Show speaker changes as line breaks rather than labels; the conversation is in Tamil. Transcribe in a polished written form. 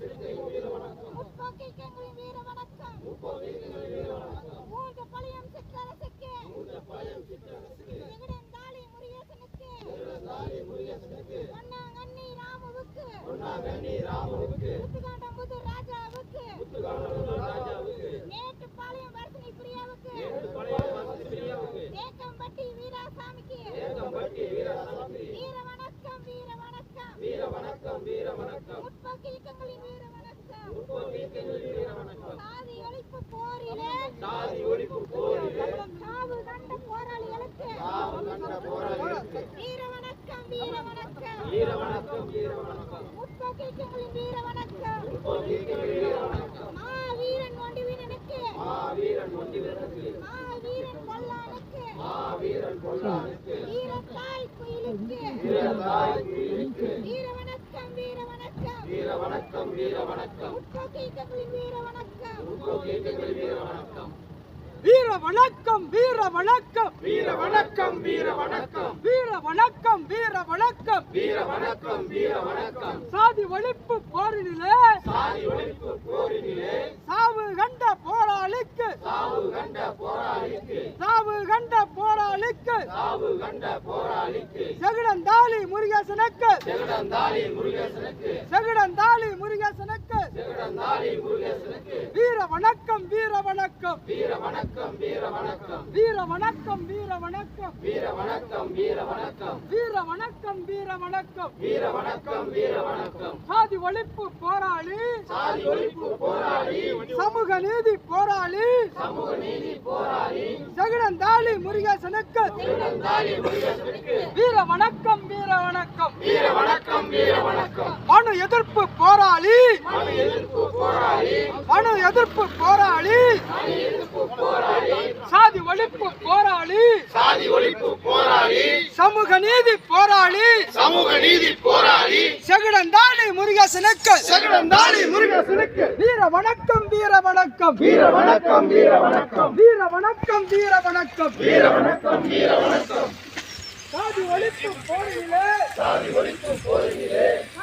முற்போக்கியங்களின் வீர வணக்கம். மூன்று பழையம் சிற்றரசுக்கு விகடந்தாளி முருகேசனுக்கு பொன்னாங்கண்ணி ராமுவுக்கு முத்துகாண்டம்புது ராஜாவுக்கு மேட்டுப்பாளையம் வர்ஷினி பிரியாவுக்கு தேக்கம்பட்டி வீராசாமிக்கு வீர வணக்கம் வீர வணக்கம் வீர வணக்கம் வீர வணக்கம். முற்போக்கு இயக்கங்களின் வீர வணக்கம். சாதி ஒழிப்பு போரிலே சாவு கண்ட போராளிகளுக்கு வீர வணக்கம் வீர வணக்கம் வீர வணக்கம் வீர வணக்கம். முற்போக்கு இயக்கங்களின் வீர வணக்கம். மாவீரன் ஒண்டிவீரனுக்கு மாவீரன் பொல்லானுக்கு வீரத்தாய் குயிலுக்கு வீர வணக்கம் வீர வணக்கம் வீர வணக்கம் வீர வணக்கம். முற்போக்கு இயக்கங்களின் வீர வணக்கம்.
வீர வணக்கம் வீர வணக்கம்
வீர வணக்கம் வீர வணக்கம்
வீர வணக்கம் வீர வணக்கம்
வீர வணக்கம் வீர வணக்கம்.
சாதி ஒழிப்பு போரினிலே
சாதி ஒழிப்பு போரினிலே
சாவு கண்ட போராளிக்கு
சாவு கண்ட போராளிக்கு
சாவு கண்ட போராளிக்கு
சாவு கண்ட போராளிக்கு
செகுடந்தாளி முருகேசனுக்கு
ஜெகடந்தாளி முருகேசனுக்கு
செகுடந்தாளி முருகேசனுக்கு
ஜெகடந்தாளி முருகேசனுக்கு
வீர வணக்கம் வீர வணக்கம்
வீர வணக்கம் வீர வணக்கம்
வீர வணக்கம் வீர வணக்கம்
வீர வணக்கம் வீர வணக்கம்
வீர வணக்கம் வீர வணக்கம்
வீர வணக்கம் வீர வணக்கம்.
சாதி ஒழிப்பு போராளி
சாதி ஒழிப்பு போராளி
சமூக நீதி போராளி
சமூக நீதி போராளி
செகுடந்தாளி முருகேசனுக்கு
ஜெகடந்தாளி முருகேசனுக்கு
வீர வணக்கம் வீர வணக்கம்
வீர வணக்கம் வீர வணக்கம்.
மனு எதிர்ப்பு போராளி
மனு எதிர்ப்பு போராளி
மனு எதிர்ப்பு போராளி
மனு எதிர்ப்பு போராளி
சாதி ஒழிப்பு போராளி
சாதி ஒழிப்பு போராளி
சமூக நீதி போராளி
சமூக நீதி போராளி
செகுடந்தாளி முருகேசனுக்கு
ஜெகடந்தாளி முருகேசனுக்கு
வீர வணக்கம் வீர வணக்கம்
வீர வணக்கம் வீர வணக்கம்
வீர வணக்கம் வீர வணக்கம்
வீர வணக்கம் வீர வணக்கம்.
சாதி ஒழிப்பு போரிலே
சாதி ஒழிப்பு போரினிலே